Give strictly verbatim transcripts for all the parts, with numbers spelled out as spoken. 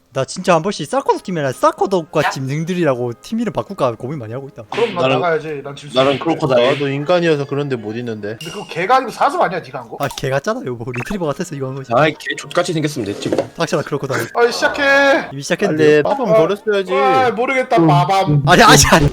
나 진짜 한 번씩 사커도 팀이랑 사커덕과 짐승들이라고 팀 이름 바꿀까 고민 많이 하고 있다. 그럼 난 나는- 나가야지. 난 질 수 나는 있는데. 크로커다일. 나도 인간이어서 그런데 못 있는데. 근데 그거 개가 아니고 사슴 아니야 니가 한 거? 아 개 같잖아요. 뭐 리트리버 같아서 이거 한 거지. 아이 개 족같이 생겼으면 됐지 뭐. 닥쳐라 그렇고 다 아이 시작해. 이미 시작했는데. 빨리 빠밤 버렸어야지. 아 모르겠다. 빠밤. 아니 아니 아니.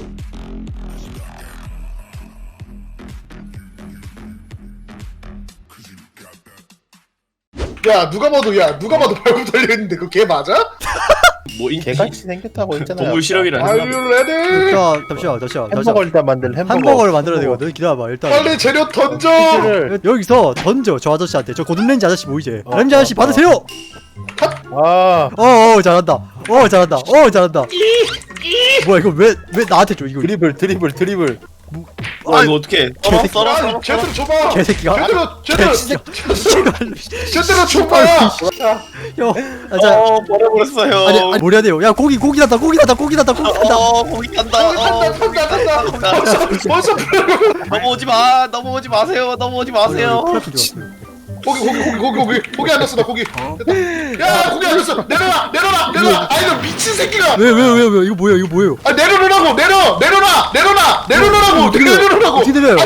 야 누가 봐도 야 누가 봐도 발굽 달려있는데 그거 개 맞아? 뭐 인- 개같이 생겼다고 했잖아요. 동물 실험이라 Are 했나? you ready? 자 잠시만 잠시만 햄버거 잠시만. 일단 만들 햄버거. 햄버거를 만들어야 되거든. 기다려봐 일단. 빨리 재료 던져. 치즈를. 여기서 던져 저 아저씨한테. 저 고든렌지 아저씨 보이지? 어, 렌지 아저씨 어, 받으세요. 아 어어 잘한다. 어 잘한다. 어 잘한다. 뭐야 이거 왜 왜 나한테 줘 이거? 드리블 드리블 드리블. 아 이거 어떻게? 썰어 개새끼. 썰어 아 썰어. 제대로 줘봐. 개새끼가. 제대로 제대로 개새끼가. 제대로 줘봐. 형, 아, 자, 어 버려버렸어요. 아니, 아니, 뭘 해야 돼요? 야, 고기, 고기 났다, 고기 났다, 고기 났다, 고기 났다. 어 거기 간다. 탄다 탄다 탄다. 벌써 벌써 넘어오지 마. 넘어오지 마세요. 넘어오지 마세요. 프라피 좋았어요. 고기 고기 고기 고기 고기 고기 안 넣었어 나 고기. 됐다. 야 고기 안 넣었어. 내려놔 내려놔 내려놔. 아 이거 미친 새끼가. 왜, 왜, 왜, 왜? 이거 뭐예요? 이거 뭐예요? 아 내려놓으라고 내려 내려놔 내려놔 내려놓으라고 어떻게 내려요? 내려놓으라고. 어떻게 내려요?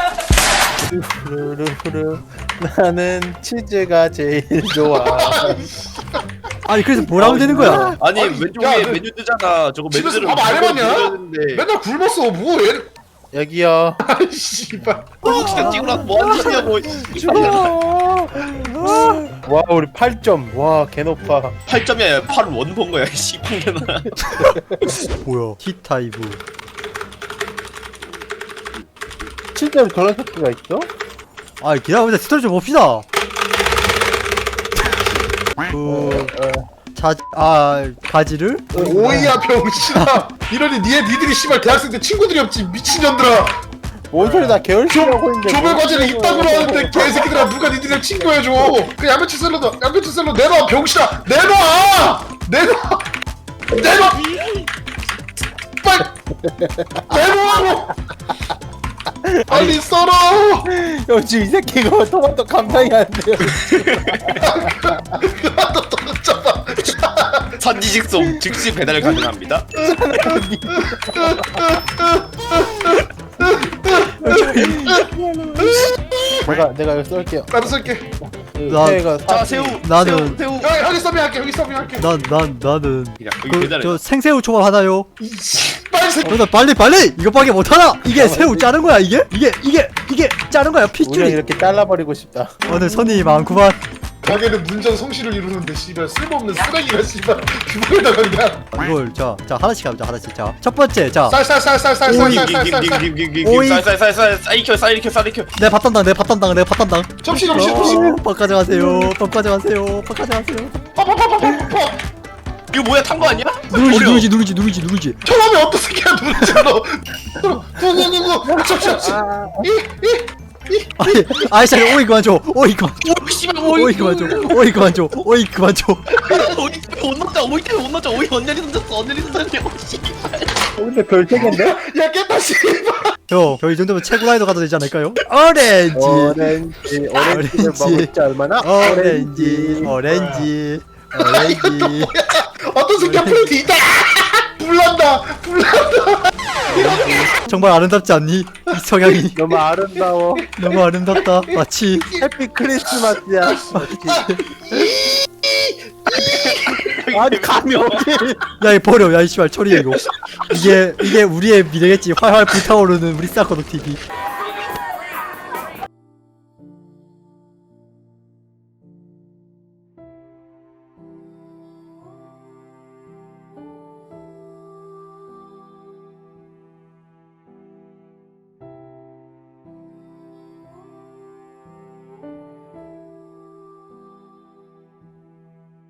후루루루. 나는 치즈가 제일 좋아. 아니, 그래서 뭘 하면 되는 거야? 아니 아니, 왼쪽에 야, 그- 메뉴 뜨잖아. 저거 집에서 메뉴를 밥 안 해봤냐? 해봤냐? 맨날 굶었어 뭐 얘. 여기요. 아이 씨발. 혹시나 찍으라고 뭐 하는 짓이냐고. 와 우리 팔 점. 와 개높아. 팔 점이 아니라 팔 원본 거야. 씨판개나. 뭐야? T타입. 실제로 저런 새끼가 있어? 아, 기다려보자. 스토리 좀 봅시다. 그, 자, 아, 가지를? 오이야 병신아. 이러니 니네 니들이 씨발 대학생 때 친구들이 없지 미친년들아. 뭔 소리 나 개월치라고 했는데. 조별 과제를 이따구로 하는데 개새끼들아 누가 니들이랑 친구해줘. 그 양배추 샐러드 양배추 샐러드 내놔 병신아 내놔 내놔 내놔 빨리 내놔 빨리 썰어. 형 지금 이 새끼 이거 토마토 감당이 안 돼요. 그만둬 던져봐. 산지직송 즉시 배달 가능합니다. 내가 내가 이거 쏠게요. 나도 쓸게. 나- 새가 자 새우. 나는- 새우. 새우. 야 여기 서빙할게 여기 서빙할게. 난, 난, 나는. 그냥 여기 그, 배달해. 저 생새우 초밥 하나요? 이 빨리 새. 어, 나 빨리, 빨리! 이거밖에 못하나? 이게 새우 자른 거야, 이게? 이게, 이게, 이게 자른 거야, 우리가 핏줄이. 이렇게 잘라버리고 싶다. 오늘 손님이 많구만. 가게는 문전 성시를 이루는데 씨발 쓸모없는 쓰레기가 씨발 주방에다가 그냥 이걸 자, 자 하나씩 가보자 하나씩. 자, 첫 번째, 자, 쌀쌀쌀쌀쌀쌀쌀쌀쌀 오이. 쌀쌀쌀쌀 쌀이켜 쌀이켜 쌀이켜. 내 밭단당, 내 밭단당, 내 밭단당. 접시 접시 접시 어, 밥 가져가세요, 밥 가져가세요, 밥 가져가세요. 파파파파파파. 이거 뭐야 탄 거 아니야? 누르지, 버려. 누르지, 누르지, 누르지, 누르지. 처음에 어떤 새끼야 누르지 너. 구구구구 접시 접시. 이이 아니, 아이씨, 오이 그만 줘, 오이 그만, 오 씨발 오이 오이 그만 줘, 오이 그만 줘, 오이 그만 줘. 오이 때문에 못 넣자 오이 때문에 못 넣자 오이 언제리 던졌어 언제리 던졌냐고 씨발. 근데 별 책인데? 야 깼다 씨발. 형, 저이 정도면 최고 라이더 가도 되지 않을까요? 오렌지, 오렌지 오렌지를 오렌지. 먹을 줄 얼마나? 오렌지, 오렌지, 오렌지. 어떤 새끼야 플레이트 있다. 불난다 불난다. 정말 아름답지 않니? 이 성향이 너무 아름다워. 너무 아름답다. 마치 해피 크리스마스야. 아니 감이 어디? 야, 이 버려. 야, 이 씨발 처리해 이거. 이게 이게 우리의 미래겠지. 활활 불타오르는 우리 사커도 티비.